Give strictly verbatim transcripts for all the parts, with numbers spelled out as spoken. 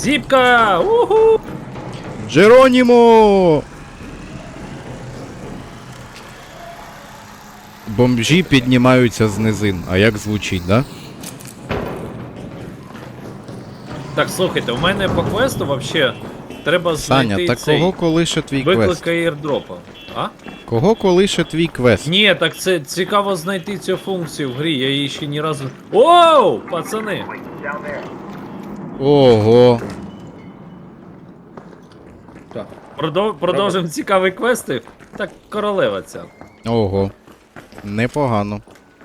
Зіпка! Уху! Джеронімо! Бомжі піднімаються з низин. А як звучить, да? Так, слухайте, у мене по квесту вообще треба знайти Саня, так цей кого колише твій квест? виклик аірдропа. А? Кого колише твій квест? Ні, так це цікаво знайти цю функцію в грі, я її ще ні разу... Оу, пацани! Ого. Так. Продов... Продовжимо цікаві квести. Так, королева ця. Ого. Непогано.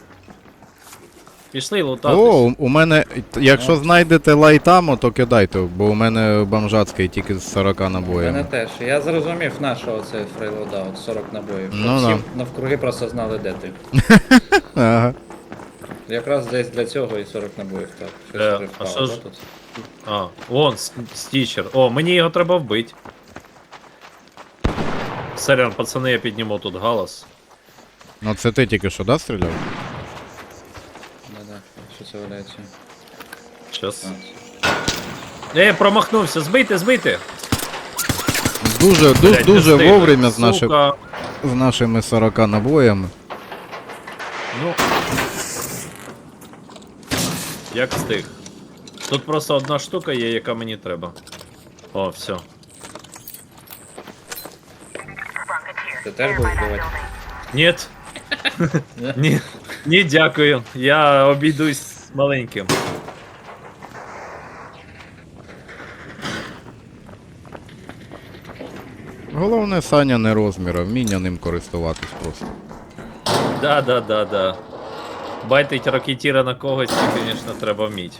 Пішли лутатись. О, у- у мене, якщо знайдете лайтамо, то кидайте, бо у мене бомжацький тільки з сорока Мене набоями. теж. Я зрозумів, на що оце фрейлоудаут, сорок набоїв. Щоб Ну всі да. навкруги просто знали, де ти. Ага. Якраз десь для цього і сорок набоїв, так. Щось Е, вже а впало, що ж- да, тут? А, вон, с- стічер. О, мені його треба вбити. Сорян, пацани, я підніму тут галас. Ну це ти тільки що, да, стріляв? Да-да, що це валяється? Щас. А, Е, промахнувся, збийте, збийте! Дуже, ду, Блядь, не дуже встиг. вовремя з, нашим, Сука. з нашими сорока набоями. Ну. Як встиг. Тут просто одна штука є, яка мені треба. О, все. Ти теж будеш вбивати? Нет. Ні, ні, дякую. Я обійдусь маленьким. Головне, Саня не розмір, а вміння ним користуватись просто. Да, да, да, да. Байтить ракетіра на когось, це, звісно, треба вміти.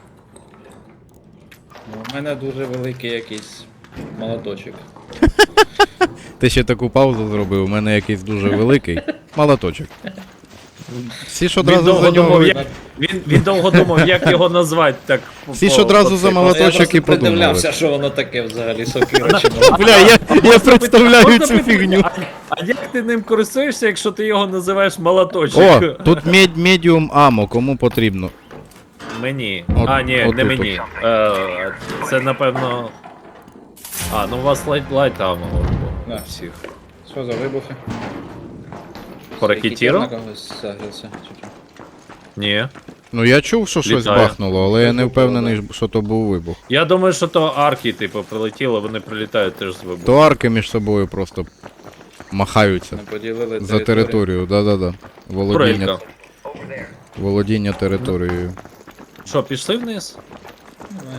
Ну, у мене дуже великий якийсь молоточок. Ти ще таку паузу зробив, у мене якийсь дуже великий молоточок. Всі ж Він одразу довго за нього. думав, як, він, він довго думав, як його назвати. Так, Всі по- ж одразу по за цей- молоточок. Я просто і подумали. придивлявся, що воно таке взагалі, сокира чи молоток. Бля, я, я представляю Можна цю питати, фігню. А, а як ти ним користуєшся, якщо ти його називаєш молоточок? О, тут мед, медіум амо, кому потрібно. Мені. От- а, ні, от не тут. мені. Е, це напевно. А, ну у вас лайт лайт там у Да. всіх. Що за вибухи? По ракетіру? На когось загрився, чи що? Ні. Ну я чув, що щось Літає. бахнуло, але я не впевнений, що то був вибух. Я думаю, що то арки, типу, прилетіло, вони прилітають теж з вибуху. То арки між собою просто махаються Не поділили за територію, да-да-да. Володіння, Турелька. володіння територією. Що, пішли вниз? Давай.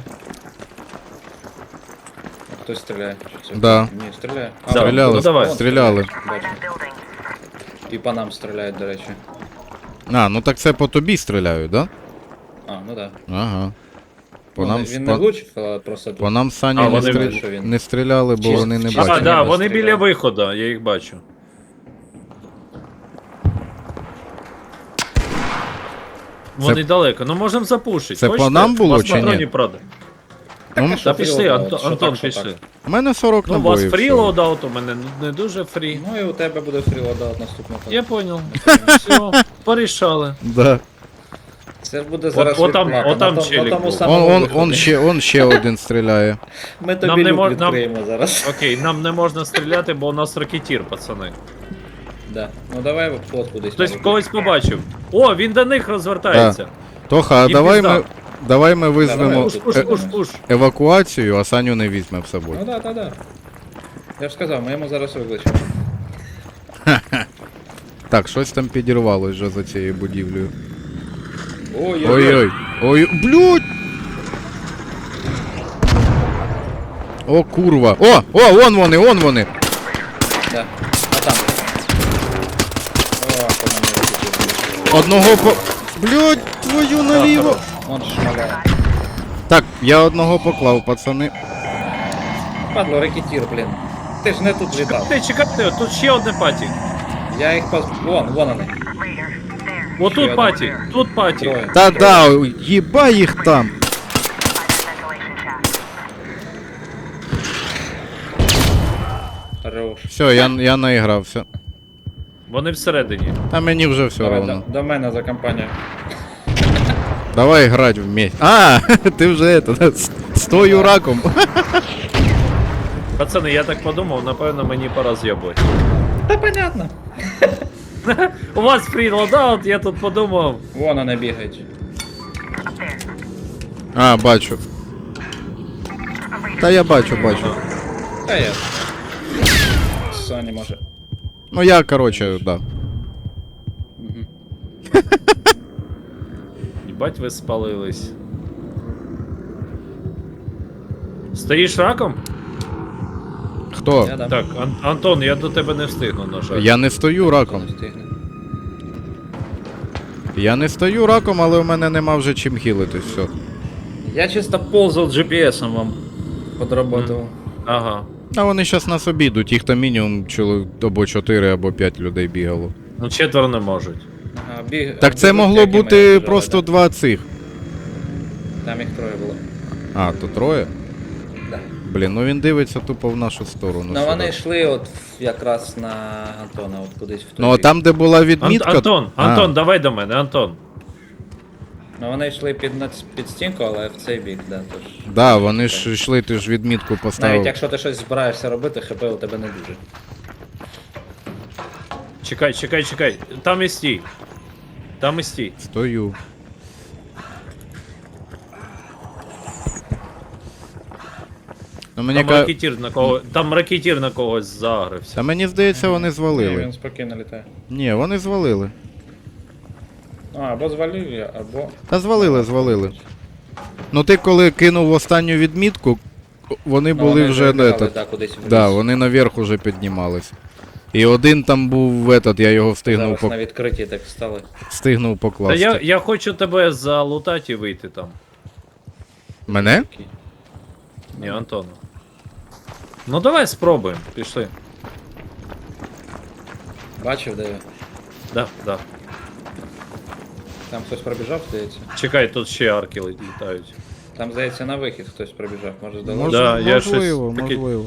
А хтось стріляє? Чи це? Да. Ні, стріляє. Да. Стріляли, ну давай. стріляли. Бачу. І по нам стріляють, до речі. А, ну так це по тобі стріляють, да? А, ну да. Ага. По Ну, нам, він по, не влучив, а просто по нам Сані А, не, вони стрі... бачать, що він- не стріляли, бо Чисто- вони не чисто. А, бачать. да, ніби вони стріляли. біля виходу, я їх бачу. Вони далеко, ну можемо запушити. Це по Хочете? нам було У вас чи ні? патронів, правда. Ну, Та що пішли, фрілоудаут, Антон, що Антон так, що пішли. так. у мене сорок Ну, у вас набоїв. фрі всього. лоудаут, у мене не дуже фрі. Ну і у тебе буде фрілоудаут наступного. Я понял. Все, порішали. Да. Це ж буде зараз От- отам- відплата. отам на, том- челік на тому був. самому Он, он, виході. он, ще, он ще один стріляє. Ми Нам тобі не люк мож- нам- відкриємо зараз. Окей, нам не можна стріляти, бо у нас ракетір, пацани. Да. Ну давай ход кудись. Хтось може. когось побачив. О, він до них розвертається. Тоха, а Їм давай пізда. ми, давай ми визвемо давай. Пуш, пуш, е- пуш, пуш. евакуацію, а Саню не візьме з собою. Ну да, да, да. Я ж сказав, ми йому зараз викличемо. Так, щось там підірвалось вже за цією будівлею. Ой-ой-ой. Ой-ой. Ой, блядь! О, курва. О, о, вон вони, вон вони. Да. А там. О, по мені викличемо. Одного по... Блядь, твою наліво. Он шмаляє. Так, я одного поклав, пацани. Падло, рекетір, блін. Ти ж не тут літав. Ти чекайте, тут ще одне паті. Я їх поз... Вон, вон вони. Отут Ще паті, тут паті. Троє. Та-да, їба їх там. Хорош. Все, я, я наігрався. Вони всередині. А мені вже все Давай, равно. до, до мене за компанію. Давай грати вместе. А, ти вже это, да, с- стою раком. Пацани, я так подумав, напевно, мені пора з'єбувати. Та понятно. У вас фрі лодаут, я тут подумав. Вон вони бігають. А, бачу. Та я бачу, бачу. Та я. Соні може. Ну я, короче, да. Їбать, ви спалились. Стоїш раком? Хто? Я дам. Так, Ан- Антон, я до тебе не встигну, на жаль. Я не стою раком. Не встигне. Я не стою раком, але у мене нема вже чим хілитись, все. Я чисто ползав джі пі ес-ом вам подработав. Ага. А вони зараз нас обійдуть, їх там мінімум чоловік або чотири, або п'ять людей бігало. Ну четверо не можуть. Ага, біг... Так це біжуть, могло як і ми бути біжали, просто да. два цих. Там їх троє було. А, то троє? Да. Блін, ну він дивиться тупо в нашу сторону. Ну сюди. вони йшли от в- якраз на Антона, от кудись в той Ну а бік. там, де була Ан- відмітка. Антон, А, Антон, давай до мене, Антон. Ну вони йшли під, нац- під стінку, але в цей бік, да, тож. Да, вони ж йшли, ти ж відмітку поставив. Навіть якщо ти щось збираєшся робити, хп у тебе не дуже. Чекай, чекай, чекай. Там і стій. Там і стій. Стою. Ну, мені Там ка... ракетір на кого. Там ракетір на когось загрився. Та мені здається, вони Ні, звалили. він спокійно літає. Ні, вони звалили. Ну, або звалив я, або. Та звалили, звалили. Ну ти коли кинув останню відмітку, вони Ну, були вони вже вибігали, не да, кудись вниз. Да, вони наверх уже піднімались. І один там був этот, я його встигнув, Зараз по... на відкритті так стали. встигнув Та покласти. я, я хочу тебе залутати і вийти там. Мене? Ні, Антона. Ну давай спробуємо, пішли. Бачив, де я? Да, да. Там хтось пробіжав, здається. Чекай, тут ще арки лі- літають. Там, здається, на вихід хтось пробіжав, може здалося. Мож... Да, я можливо, щось таке- можливо.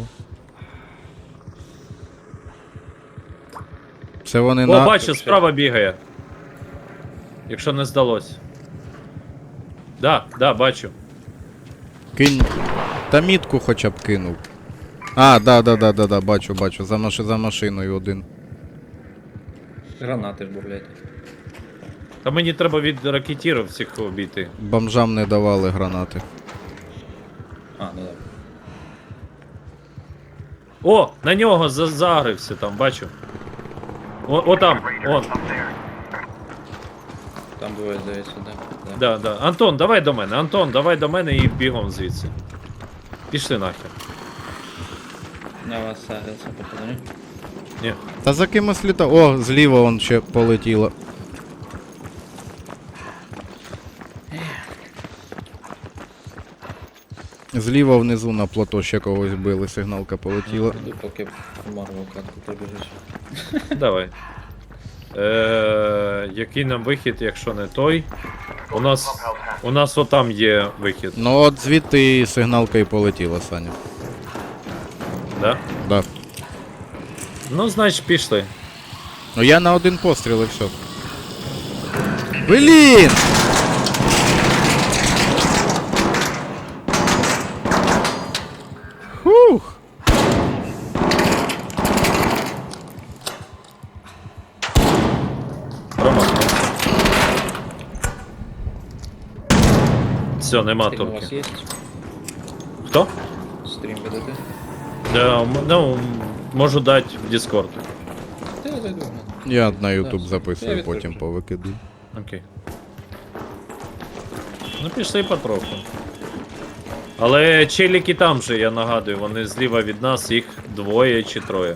Це вони О, на... бачу, справа бігає. Якщо не здалось. Да, да, бачу. Кинь. Та мітку хоча б кинув. А, да, да, да, да, да, бачу, бачу. За, маш... за машиною один. Гранати ж бурлять. Та мені треба від ракетірів всіх обійти. Бомжам не давали гранати. А, ну так. О, на нього за- загрився там, бачу. О, о там, он. Там двоє, здається, да. да. Да, да. Антон, давай до мене. Антон, давай до мене і бігом звідси. Пішли нахер. На вас сагриться, походу, ні? Ні. Та за кимось літав. О, зліва он ще полетіло. Зліва внизу на плато ще когось били, сигналка полетіла. Іду, поки в Марвел катку пробіжиш. Давай. Е, який нам вихід, якщо не той? У нас. У нас отам є вихід, Ну от звідти сигналка і полетіла, Саня. да? Да. Ну, значить, пішли. Ну я на один постріл і все. Блін! Фух! Промахнувся. Все, нема Стрім у вас турки. є? Хто? Стрім ведете? Да, м- ну, можу дати в Discord. Та я зайду. ну. Я на YouTube Я записую, відкрив потім вже. повикидую. Окей. Ну, пішли потроху. Але челіки там же, я нагадую, вони зліва від нас, їх двоє чи троє.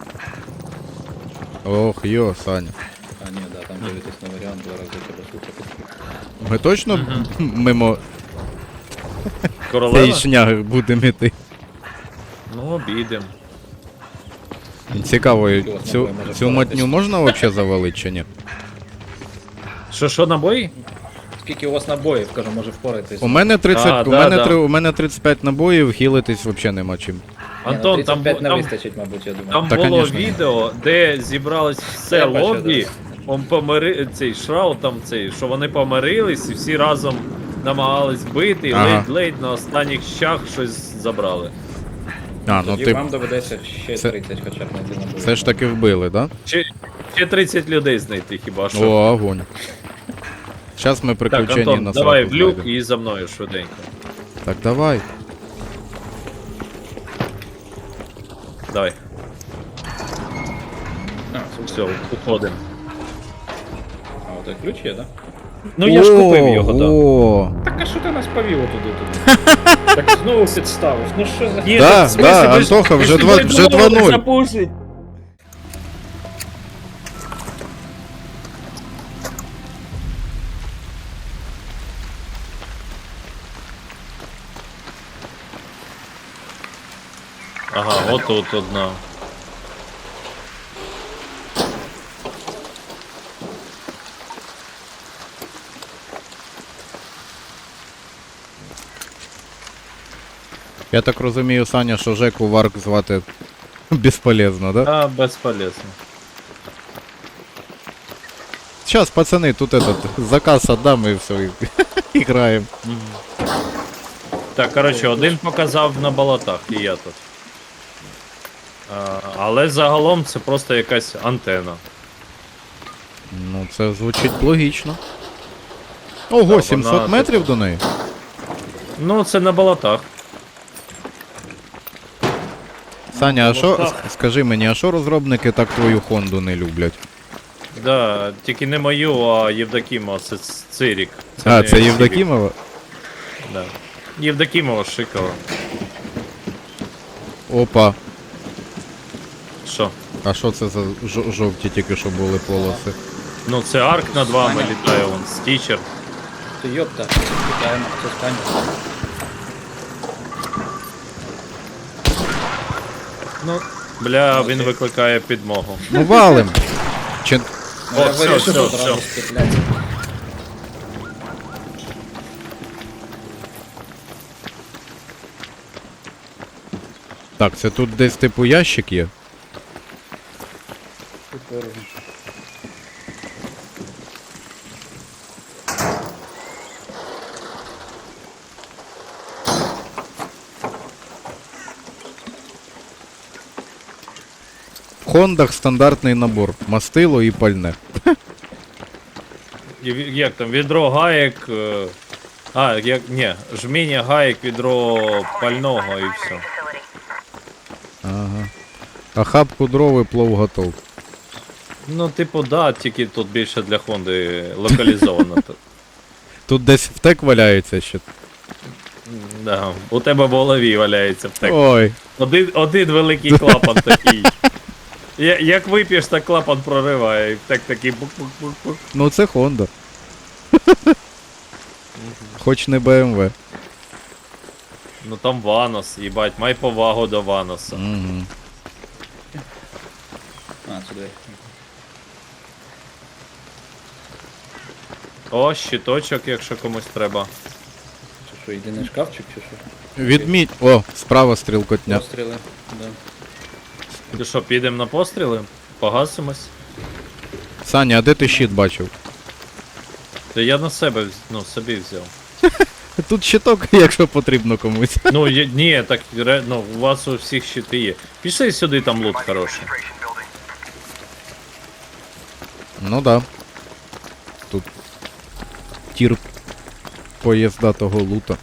Ох, йо, Саня. А, ні, да, там дивитесь на варіант, два рази тебе слухати. Ми точно мимо Королева? цієї шняги будемо йти? Ну, обійдем. Цікаво, вас цю, набої може цю впоратись? матню можна взагалі завалити чи ні? Що, що, набої? Скільки у вас набоїв, кажу, може впоратись? У мене тридцять, А, у, да, мене да. три- у мене тридцять п'ять набоїв, хілитись взагалі нема чим. Ні, ну, Антон, там, тридцять п'ять бу- не там, вистачить, мабуть, я думаю. там Та, було конечно. відео, де зібралось все Я бачу, лобі, он помири... цей Шрау там цей, що вони помирились і всі разом намагались бити, і Ага. ледь-ледь на останніх щах щось забрали. А, ну Тоді ти вам доведеться ще це- тридцять хоча б знайти на бою. все ж таки вбили, да? Ще, ще тридцять людей знайти хіба що. О, огонь. Зараз ми Так, приключення Антон, на давай сраку в люк знайдемо. і за мною швиденько. Так, давай. Давай, А, це все, уходимо. А, от ключ є, да? Ну я ж купив його, так. О, Так а що ти нас повів отуди туди? Так знову підставив. Ну що за... Ні, Да, так, в смислі, да, ви ж- Антоха, ви вже ж два- не вже думали два нуль. запушить. Ага, от тут одна. я так розумію, Саня, що Жеку Варк звати безполезно, да? А, безполезно. Сейчас, пацаны, тут этот заказ отдам и все, і граємо. Так, коротше, один показав на болотах, і я тут. А, але загалом це просто якась антена. Ну, це звучить логічно. Ого, вона сімсот тут- метрів до неї? Ну, це на болотах. Саня, а що, так. с- скажи мені, а що розробники так твою Хонду не люблять? Да, тільки не мою, а Євдокімова, це ц- Цирік. А, не це Цивік. Євдокімова? Да. Євдокімова Шикова. Опа. Що? А що це за жо- жовті тільки що були полоси? Ну це арк над вами Саня. літає, вон, стічер. Ти йопта, питаємо, це стань. Ну, бля, він викликає підмогу. Ну валим! Чи... Ну, я О, все, вирішив все, одразу все. стріляти. Так, це тут десь типу ящик є? Тепер В Хондах стандартний набор. Мастило і пальне. І ві- Як там, відро гаєк. е, А, як. Ні, жміння гаєк, відро пального і все. Ага. А хапку дров і плов готов. Ну, типу, да, тільки тут більше для Хонди локалізовано. Тут. Тут десь втек валяється ще. Да. У тебе в голові валяється втек. Ой. Один, один великий клапан такий. Я- Як вип'єш, так клапан прориває, і втек такий бук-бук-бук-бук. Ну це Хонда. Хоч не Б М В. Ну там Ванос, їбать, май повагу до Ваноса. Угу. А, сюди. О, щиточок, якщо комусь треба. Чи що, єдиний шкафчик, чи що? Відміть. О, справа стрілкотня. Постріли. Да. Ти що, підемо на постріли? Погасимось? Саня, а де ти щит бачив? Та я на себе вз- ну, собі взяв. Тут щиток, якщо потрібно комусь. Ну, є, ні, так ре- ну, у вас у всіх щити є. Пішли сюди, там лут хороший. Ну да. Тут тір поїздатого лута.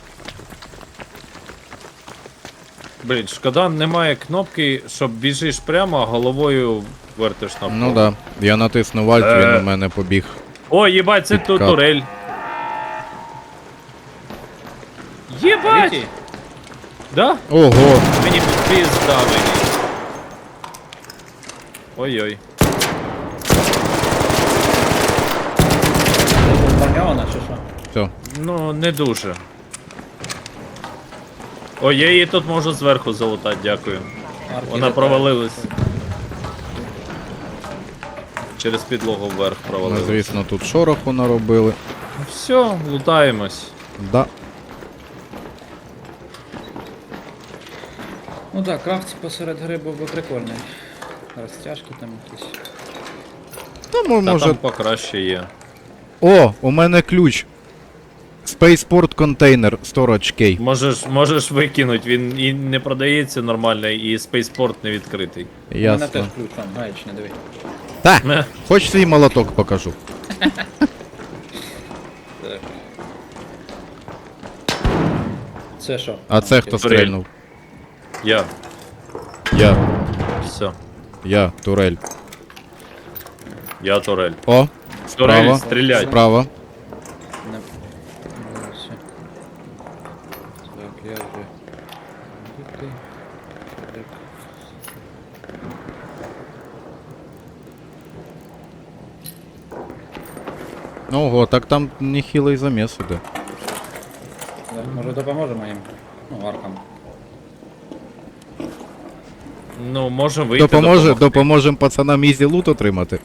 Блін, шкода, немає кнопки, щоб біжиш прямо, а головою вертиш на Ну да. Я натиснув альт, він Е. у мене побіг. О, їбать, це тут Підкат. турель. Єбать! Третій? Да? Ого! Мені пізда мені. Ой-ой. Це бомбармьована, чи що? Все. Ну, не дуже. Ой, я її тут можу зверху залутати, дякую. Арки Вона літають. провалилась. Через підлогу вверх Ну, провалилась. звісно, тут шороху наробили. Ну все, лутаємось. Да. Ну так, крафт посеред гри був би прикольний. Розтяжки там якісь. Ну, мо- Та може. там покраще є. О, у мене ключ. Spaceport контейнер Storage Key. Можеш, можеш викинуть, він і не продається нормально, і спейспорт не відкритий. У мене теж Ясно. ключ, там, гаєчний, диви. Та, Ме. хоч свій молоток покажу. Так. Це що? А це хто Турель. стрельнув? Я. Я. Все. Я, турель. Я турель. О, Турель, справа. стріляй. Справа. Не... Молодці. Так, я вже... Де ти? Так. Ого, так там нехилий заміс іде. Так, може допоможемо їм? Ну, аркам. Ну, можемо вийти. Допоможе, допомогти. допоможемо пацанам ізі лут отримати.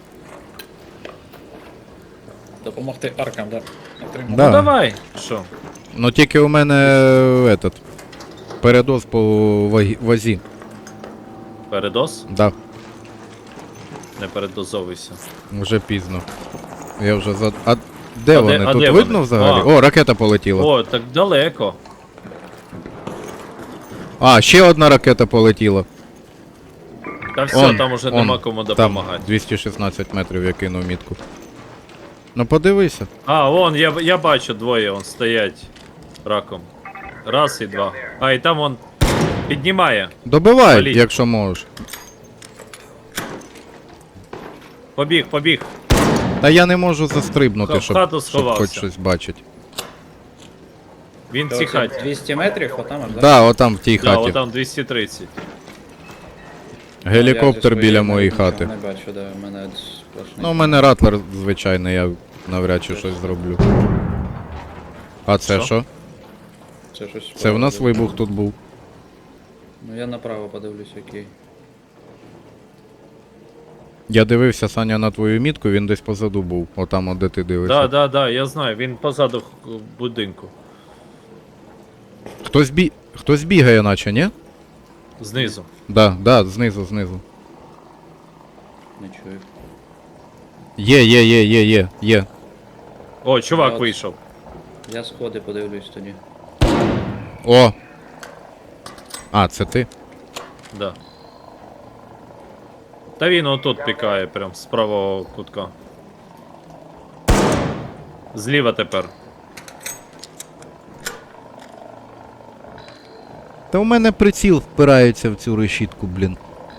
Допомогти аркам, да. Отримав. Да. Ну давай. Що? Ну тільки у мене е, этот, передоз по вагі- вазі. Передоз? Да, Не передозовуйся. вже пізно. Я вже за. А де А вони? де- а Тут де видно вони? взагалі? А. О, ракета полетіла. О, так далеко. А, ще одна ракета полетіла. Та все, Он, там уже он, нема кому Там допомагати. двісті шістнадцять метрів я кинув мітку. Ну подивися. А, вон, я, я бачу, двоє он стоять раком. Раз і два. А, і там он піднімає. Добивай, Валіть. якщо можеш. Побіг, побіг. Та я не можу застрибнути, В щоб, хату щоб сховався. хоч щось бачити. Він в Це цій оце хаті. двісті метрів, отам аж, да? Да, отам в тій Да, хаті. отам двісті тридцять. Гелікоптер Я зі біля своєї моєї нічого хати. Не бачу, да, в мене сплошний. Ну, у мене ратлер звичайний, я навряд чи щось зроблю. А це Що? що? Це щось. Це в нас справді. вибух тут був. Ну я направо подивлюсь, який. Я дивився, Саня, на твою мітку, він десь позаду був. Отам, от де ти дивишся. Да, да, да, я знаю, він позаду х- будинку. Хтось бі... Хтось бігає, наче, ні? Знизу. Да, да, знизу, знизу. Не чую. Є, є, є, є, є, є. О, чувак От. вийшов. Я сходи подивлюсь тоді. О! А, це ти? Да. Та він отут пікає, прям з правого кутка. Зліва тепер. Та у мене приціл впирається в цю решітку, блін.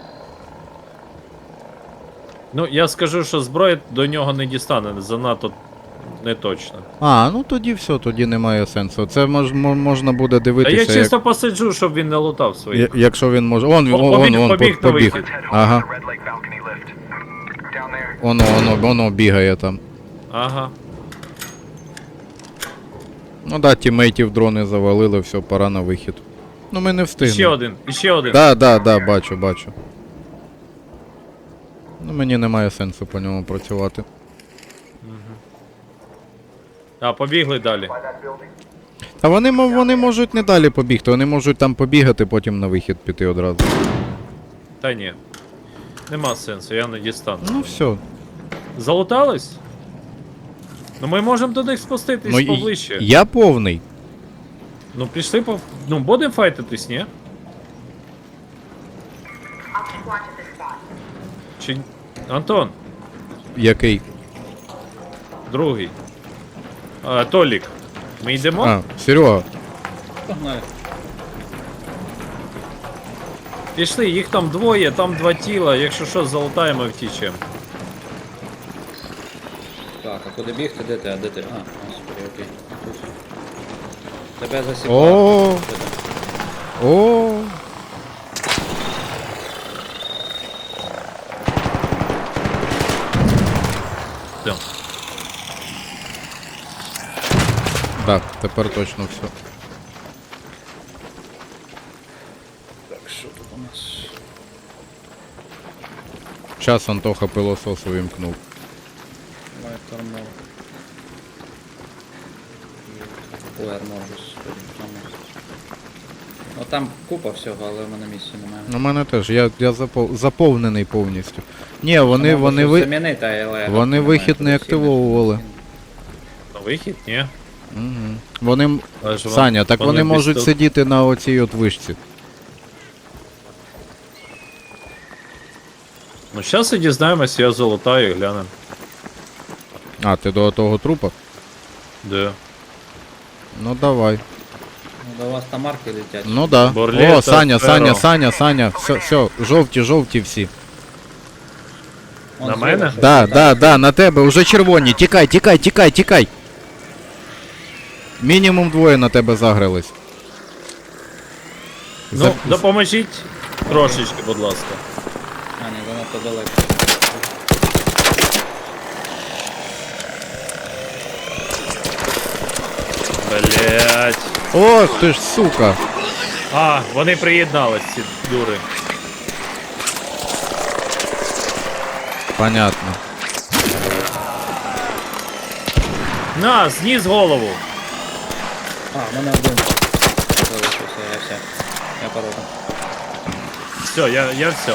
Ну, я скажу, що зброя до нього не дістане, занадто не точно. А, ну тоді все, тоді немає сенсу. Це мож, мо- можна буде А дивитися, я як... чисто посиджу, щоб він не лутав свої. я- якщо він може. Он, О, он, побіг, он, он, побіг по- на побіг. вихід. Ага. Воно, воно, воно бігає там. Ага. Ну да, тімейтів дрони завалили, все, пора на вихід. Ну ми не І встигнемо. ще один, і ще один. Да, да, да, бачу, бачу. Ну мені немає сенсу по ньому працювати. А, побігли далі. А вони, мо- вони можуть не далі побігти, вони можуть там побігати, потім на вихід піти одразу. Та ні. Нема сенсу, я не дістану. Ну все. Залутались? Ну ми можемо до них спуститись Ну, і- поближче. я повний. Ну пішли по. Ну, будемо файтитись, ні? Чи. Антон, Який? другий. А, Толік. Ми йдемо? А, Серега. Погнали. Пішли, їх там двоє, там два тіла, якщо що, залутаємо і втічемо. Так, а куди бігти? Де ти? А де ти? А, господи, окей. Тут. Тебе засіпало. О, о. Все. Так, тепер точно все. Так, що тут у нас? Час Антоха пилосос увімкнув. Має армор. Ой, армор, господи, там. Ну там купа всього, але в мене місця немає. У мене теж, я, я запов... заповнений повністю. Ні, вони, Мабуть, вони, щось ви... замінити, але вони немає, вихід куди не всі активовували. На вихід? Ні. Угу. Вони. м- Але ж вон- Саня, так вони можуть без- сидіти на оцій от вишці. Ну, зараз і дізнаємось, я золотаю і глянем. А, ти до того трупа? Де? Ну давай. Ну, до вас там марки летять. Ну да. Борлета, О, Саня, Феро. Саня, Саня, Саня. Все, все, жовті, жовті всі. Вон на зліва мене? щось Да, літає. да, да, на тебе, уже червоні. Тікай, тікай, тікай, тікай. Мінімум двоє на тебе загрались. Ну, За- допоможіть трошечки, будь ласка. А, ні, занадто далеко. Блять. Ох ти ж, сука. А, вони приєднались, ці дури. Понятно. На, зніс голову. А, в мене один залишився, я все. Я порогу. Все, я, я все.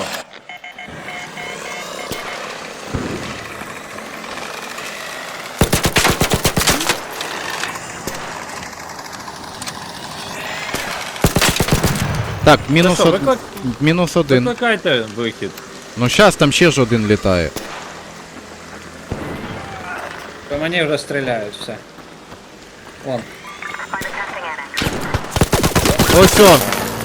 Так, мінус, що, од... виклик- мінус один. Викликайте вихід. Ну щас там ще ж один літає. По мені вже стріляють, все. Вон. Ось о.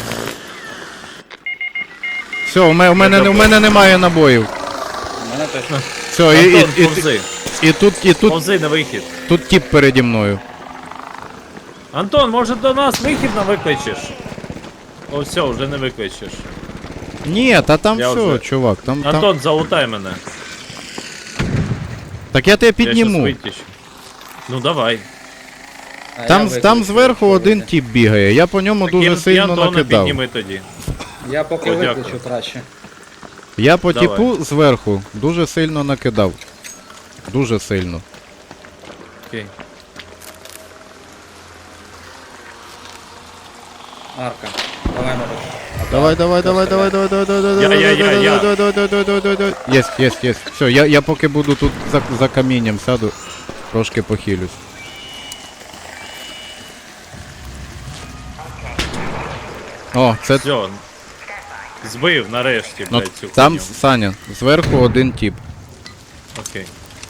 Все, у мене, у мене, у мене немає набоїв. У мене точно. Все, і, і, Антон, і, повзи. і тут, і тут, Повзи на вихід. тут тіп переді мною. Антон, може до нас вихід на викличеш? О, все, вже не викличеш. Ні, та там Я все, вже- чувак, там, там... Антон, залутай мене. Так я тебе Я щас підніму. витіщу. Ну давай. А, я Там, виключу, там зверху якщо один вийде. тіп бігає, я по ньому дуже Кін- сильно Антона накидав. підніми тоді. Я поки О, дякую. виключу краще. Я по Давай. тіпу зверху дуже сильно накидав. Дуже сильно. Окей. Арка. Давай, Мариш. Давай, давай, давай, давай, давай, давай, давай, давай, Я, давай, я, я, давай, я. давай, давай, давай, давай, давай, давай. Єсть, єсть, єсть. Все, я, я поки буду тут за, за камінням сяду, трошки похилюсь. О, це Все. Збив нарешті, ну, блядь, цю там хуйню. Саня, зверху один тіп. Окей.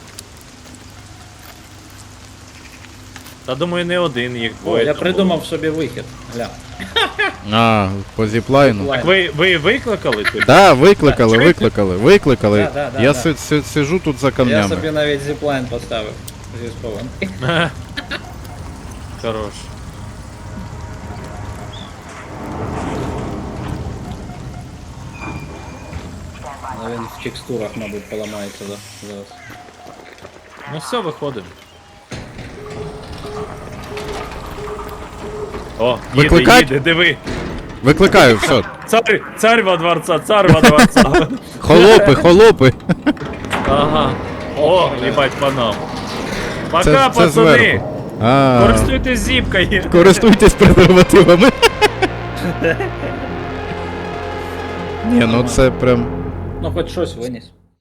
Та думаю, не один їх О, двоє. я там придумав було. собі вихід. Гля. А, по зіплайну. Зіплайн. Так ви, ви викликали тут? Да, викликали, Чуєте? викликали, викликали. Да, да, да, Я да. си- си- сижу тут за Я камнями. собі навіть зіплайн поставив. Зі схованки. Хорош. Але він в текстурах, мабуть, поламається да, зараз. Ну все, виходимо. О, їде, Викликать? їде, диви. Викликаю, все. Цар, царь во дворца, царь во дворца. Холопи, холопи. Ага. О, їбать по нам. Пока, Це, це пацани. зверху. А, Користуйтесь зіпкою. користуйтесь презервативами. Ні, ну це прям. Ну хоч щось виніс.